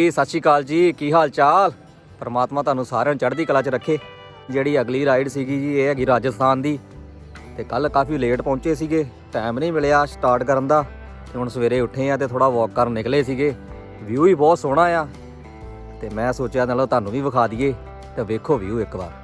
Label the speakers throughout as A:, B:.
A: सत श्री अकाल जी, की हाल चाल। परमात्मा तुहानूं सारिਆਂ ਨੂੰ ਚੜ੍ਹਦੀ ਕਲਾ 'ਚ ਰੱਖੇ। ਜਿਹੜੀ ਅਗਲੀ ਰਾਈਡ ਸੀਗੀ ਜੀ, ਇਹ ਹੈਗੀ ਰਾਜਸਥਾਨ ਦੀ। ਤੇ ਕੱਲ ਕਾਫੀ ਲੇਟ ਪਹੁੰਚੇ ਸੀਗੇ, ਟਾਈਮ ਨਹੀਂ ਮਿਲਿਆ ਸਟਾਰਟ ਕਰਨ ਦਾ। ਤੇ ਹੁਣ ਸਵੇਰੇ ਉੱਠੇ ਆ ਤੇ ਥੋੜਾ ਵਾਕ ਕਰਨ ਨਿਕਲੇ ਸੀਗੇ। ਵਿਊ ਹੀ ਬਹੁਤ ਸੋਹਣਾ ਆ ਤੇ ਮੈਂ ਸੋਚਿਆ ਨਾਲੋਂ ਤੁਹਾਨੂੰ ਵੀ ਵਿਖਾ ਦਈਏ। ਤੇ ਵੇਖੋ ਵਿਊ ਇੱਕ ਵਾਰ।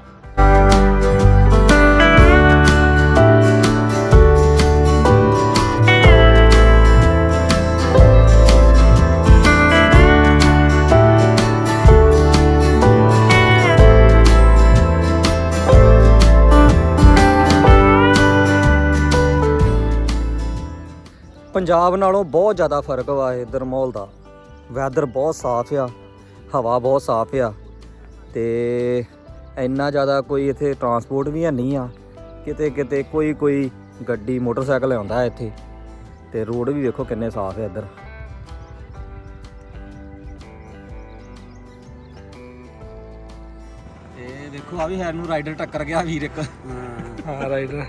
A: ਪੰਜਾਬ ਨਾਲੋਂ ਬਹੁਤ ਜ਼ਿਆਦਾ ਫਰਕ ਵਾ ਇੱਧਰ ਮਾਹੌਲ ਦਾ। ਵੈਦਰ ਬਹੁਤ ਸਾਫ਼ ਆ, ਹਵਾ ਬਹੁਤ ਸਾਫ਼ ਆ ਤੇ ਇੰਨਾ ਜ਼ਿਆਦਾ ਕੋਈ ਇੱਥੇ ਟਰਾਂਸਪੋਰਟ ਵੀ ਹੈ ਨਹੀਂ ਆ। ਕਿਤੇ ਕਿਤੇ ਕੋਈ ਗੱਡੀ ਮੋਟਰਸਾਈਕਲ ਆਉਂਦਾ ਇੱਥੇ। ਤੇ ਰੋਡ ਵੀ ਵੇਖੋ ਕਿੰਨੇ ਸਾਫ਼ ਆ ਇੱਧਰ। ਤੇ ਵੇਖੋ ਆ ਵੀ ਹੈ ਨੂੰ ਰਾਈਡਰ ਟੱਕਰ ਗਿਆ ਵੀਰ ਇੱਕ।
B: ਹਾਂ ਰਾਈਡਰ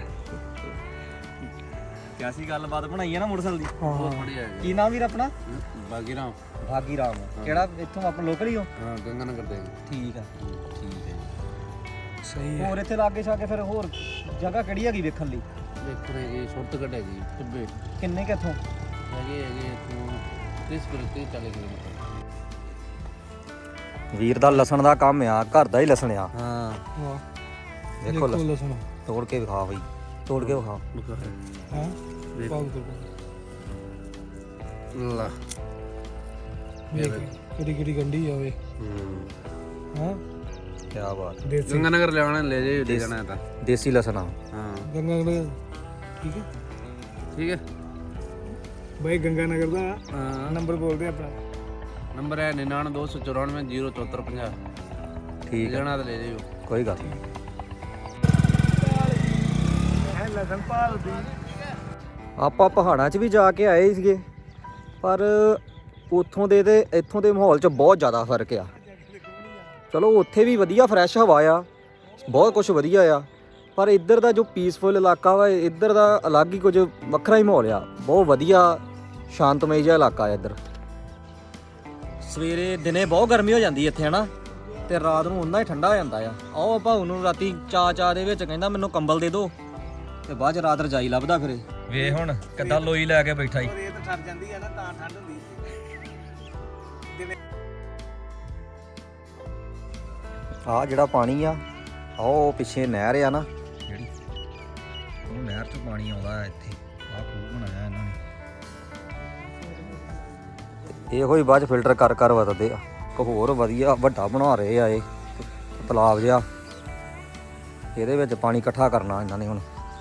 A: ਕਿਆਸੀ ਗੱਲਬਾਤ ਬਣਾਈ ਹੈ ਨਾ ਮੋਟਰਸਾਈਕਲ ਦੀ।
B: ਬਹੁਤ ਬੜੀਆ ਹੈ।
A: ਕੀ ਨਾਮ ਵੀਰ ਆਪਣਾ?
B: ਬਾਗੀ ਰਾਮ।
A: ਬਾਗੀ ਰਾਮ। ਕਿਹੜਾ ਇੱਥੋਂ ਆਪਣਾ ਲੋਕਲ ਹੀ ਹੋ?
B: ਹਾਂ ਗੰਗਾ ਨਗਰ ਦੇ।
A: ਠੀਕ ਹੈ ਠੀਕ ਹੈ
B: ਸਹੀ ਹੈ।
A: ਹੋਰ ਇੱਥੇ ਲਾਗੇ ਛਾਗੇ ਫਿਰ ਹੋਰ ਜਗ੍ਹਾ ਕਿਹੜੀ ਹੈਗੀ ਵੇਖਣ ਲਈ?
B: ਦੇਖੋ ਜੀ ਸ਼ਾਰਟਕਟ ਹੈ ਜੀ ਟਿੱਬੇ।
A: ਕਿੰਨੇ ਕਿੱਥੋਂ
B: ਹੈਗੇ ਇੱਥੋਂ 30 40 ਕਿਲੋਮੀਟਰ।
A: ਵੀਰ ਦਾ ਲਸਣ ਦਾ ਕੰਮ ਆ, ਘਰ ਦਾ ਹੀ ਲਸਣ ਆ।
B: ਹਾਂ
A: ਵੇਖੋ ਲਸਣ ਤੋੜ ਕੇ ਵਿਖਾ ਬਈ, ਤੋੜ ਕੇ ਵਿਖਾ।
B: ਹਾਂ ਲਾ ਕਿਹੜੀ ਗੰਢੀ ਆਵੇ। ਹਾਂ
A: ਕੀ ਬਾਤ।
B: ਗੰਗਾ ਨਗਰ ਲਿਆਉਣਾ ਲੈ ਜਾਈਏ ਦੇ ਜਾਣਾ ਤਾਂ
A: ਦੇਸੀ ਲਸਣ ਆ।
B: ਹਾਂ ਗੰਗਾ ਨਗਰ ਠੀਕ ਹੈ ਠੀਕ ਹੈ
C: ਭਾਈ। ਗੰਗਾ ਨਗਰ ਦਾ ਨੰਬਰ ਬੋਲਦੇ ਆਪਣਾ।
B: ਨੰਬਰ ਹੈ 9924907450।
A: ਠੀਕ ਹੈ
B: ਜਾਣਾ ਤਾਂ ਲੈ ਜਾਈਓ
A: ਕੋਈ ਗੱਲ ਨਹੀਂ।
C: ਲਸਣ ਭਾਲਦੀ
A: ਆਪਾਂ ਪਹਾੜਾਂ 'ਚ ਵੀ ਜਾ ਕੇ ਆਏ ਸੀਗੇ, ਪਰ ਉੱਥੋਂ ਦੇ ਤੇ ਇੱਥੋਂ ਦੇ ਮਾਹੌਲ 'ਚ ਬਹੁਤ ਜ਼ਿਆਦਾ ਫਰਕ ਆ। ਚਲੋ ਉੱਥੇ ਵੀ ਵਧੀਆ ਫਰੈਸ਼ ਹਵਾ ਆ, ਬਹੁਤ ਕੁਝ ਵਧੀਆ ਆ, ਪਰ ਇੱਧਰ ਦਾ ਜੋ ਪੀਸਫੁਲ ਇਲਾਕਾ ਵਾ, ਇੱਧਰ ਦਾ ਅਲੱਗ ਹੀ ਕੁਝ ਵੱਖਰਾ ਹੀ ਮਾਹੌਲ ਆ। ਬਹੁਤ ਵਧੀਆ ਸ਼ਾਂਤਮਈ ਜਿਹਾ ਇਲਾਕਾ ਆ ਇੱਧਰ। ਸਵੇਰੇ ਦਿਨੇ ਬਹੁਤ ਗਰਮੀ ਹੋ ਜਾਂਦੀ ਇੱਥੇ ਹਨਾ, ਤੇ ਰਾਤ ਨੂੰ ਓਨਾ ਹੀ ਠੰਡਾ ਹੋ ਜਾਂਦਾ ਆ। ਆਓ ਭਾਊ ਨੂੰ ਰਾਤੀ ਚਾਅ ਦੇ ਵਿੱਚ ਕਹਿੰਦਾ ਮੈਨੂੰ ਕੰਬਲ ਦੇ ਦਿਓ, ਤੇ ਬਾਅਦ 'ਚ ਰਾਤ ਰਜਾਈ ਲੱਭਦਾ ਫਿਰੇ। ਵੇ ਹੁਣ ਕਿੱਦਾਂ ਲੋਈ ਲੈ ਕੇ ਬੈਠਾ ਈ।
C: ਰੇਤ ਠਰ ਜਾਂਦੀ ਆ ਨਾ ਤਾਂ ਠੰਡ ਹੁੰਦੀ।
A: ਆਹ ਜਿਹੜਾ ਪਾਣੀ ਆ, ਉਹ ਪਿੱਛੇ ਨਹਿਰ ਆ ਨਾ ਜਿਹੜੀ, ਉਹ ਨਹਿਰ 'ਚੋਂ ਪਾਣੀ ਆਉਂਦਾ ਇੱਥੇ। ਆਹ ਖੂਹ ਬਣਾਇਆ ਇਹਨਾਂ ਨੇ, ਇਹੋ ਹੀ ਬਾਅਦ 'ਚ ਫਿਲਟਰ ਕਰ ਵਰਤਦੇ ਆ। ਇੱਕ ਹੋਰ ਵਧੀਆ ਵੱਡਾ ਬਣਾ ਰਹੇ ਆ ਇਹ ਤਲਾਬ ਜਿਹਾ, ਇਹਦੇ ਵਿੱਚ ਪਾਣੀ ਇਕੱਠਾ ਕਰਨਾ ਇਹਨਾਂ ਨੇ ਹੁਣ।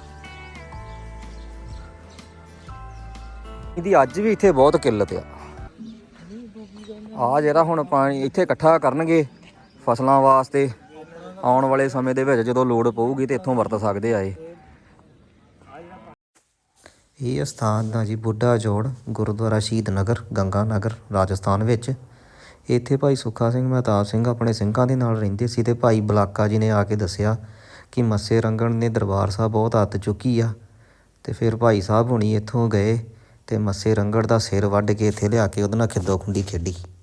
A: ਇਹਦੀ ਅੱਜ ਵੀ ਇੱਥੇ ਬਹੁਤ ਕਿੱਲਤ ਆ। ਆਹ ਜਿਹੜਾ ਹੁਣ ਪਾਣੀ ਇੱਥੇ ਇਕੱਠਾ ਕਰਨਗੇ ਫਸਲਾਂ ਵਾਸਤੇ, ਆਉਣ ਵਾਲੇ ਸਮੇਂ ਦੇ ਵਿੱਚ ਜਦੋਂ ਲੋੜ ਪਊਗੀ ਤੇ ਇੱਥੋਂ ਵਰਤ ਸਕਦੇ ਆ। ਇਹ ਸਥਾਨ ਦਾ ਜੀ ਬੁੱਢਾ ਜੋੜ ਗੁਰਦੁਆਰਾ ਸ਼ਹੀਦ ਨਗਰ ਗੰਗਾ ਨਗਰ ਰਾਜਸਥਾਨ ਵਿੱਚ। ਇੱਥੇ ਭਾਈ ਸੁੱਖਾ ਸਿੰਘ ਮਹਿਤਾਬ ਸਿੰਘ ਆਪਣੇ ਸਿੰਘਾਂ ਦੇ ਨਾਲ ਰਹਿੰਦੇ ਸੀ, ਤੇ ਭਾਈ ਬਲਾਕਾ ਜੀ ਨੇ ਆ ਕੇ ਦੱਸਿਆ ਕਿ ਮੱਸੇ ਰੰਗਣ ਨੇ ਦਰਬਾਰ ਸਾਹਿਬ ਬਹੁਤ ਅੱਤ ਚੁੱਕੀ ਆ। ਤੇ ਫਿਰ ਭਾਈ ਸਾਹਿਬ ਹੁਣੀ ਇੱਥੋਂ ਗਏ ਤੇ ਮੱਸੇ ਰੰਗੜ ਦਾ ਸਿਰ ਵੱਢ ਕੇ ਇੱਥੇ ਲਿਆ ਕੇ ਉਹਦੇ ਨਾਲ ਖਿੱਦੋ ਖੁੰਡੀ ਖੇਡੀ।